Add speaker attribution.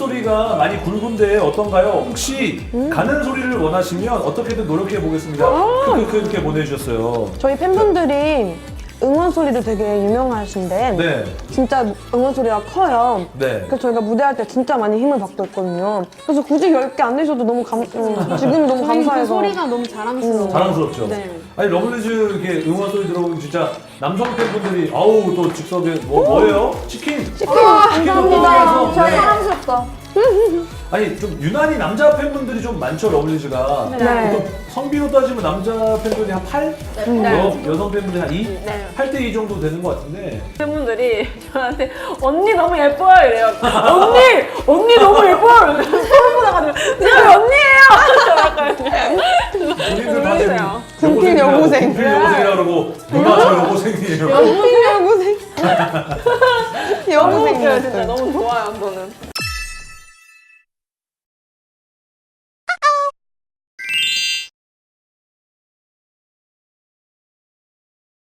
Speaker 1: 소리가 많이 굵은데 어떤가요? 혹시 가는 소리를 원하시면 어떻게든 노력해 보겠습니다. 이렇게 보내주셨어요.
Speaker 2: 저희 팬분들이 응원 소리도 되게 유명하신데
Speaker 1: 네.
Speaker 2: 진짜 응원 소리가 커요.
Speaker 1: 네.
Speaker 2: 그래서 저희가 무대할 때 진짜 많이 힘을 받고 있거든요. 그래서 굳이 10개 안 내셔도 너무 지금 너무
Speaker 3: 저희 그
Speaker 2: 감사해서.
Speaker 3: 소리가 너무 자랑스러워요.
Speaker 1: 자랑스럽죠?
Speaker 3: 네.
Speaker 1: 아니 러블리즈 이렇게 응원 소리 들어보면 진짜 남성 팬분들이 아우 또 즉석에 뭐예요? 치킨!
Speaker 2: 감사합니다.
Speaker 1: 네.
Speaker 3: 사랑스럽다.
Speaker 1: 아니 좀 유난히 남자 팬분들이 좀 많죠 러블리즈가.
Speaker 2: 네.
Speaker 1: 보통 성비로 따지면 남자 팬분이 한 8? 여성 팬분이 한 2?
Speaker 3: 네.
Speaker 1: 8대 2 정도 되는 것 같은데
Speaker 4: 팬분들이 저한테 언니 너무 예뻐요 이래요. 언니 너무 예뻐요. 소름 돋아가지고 제가 언니예요.
Speaker 1: 본인들 다 지금
Speaker 2: 군필 여고생.
Speaker 1: 군필 여고생이라 그러고 누나 저 여고생이에요.
Speaker 2: 여고생.
Speaker 4: 너무 웃겨요 진짜
Speaker 2: 여고생이었어요.
Speaker 4: 너무 좋아요 저는.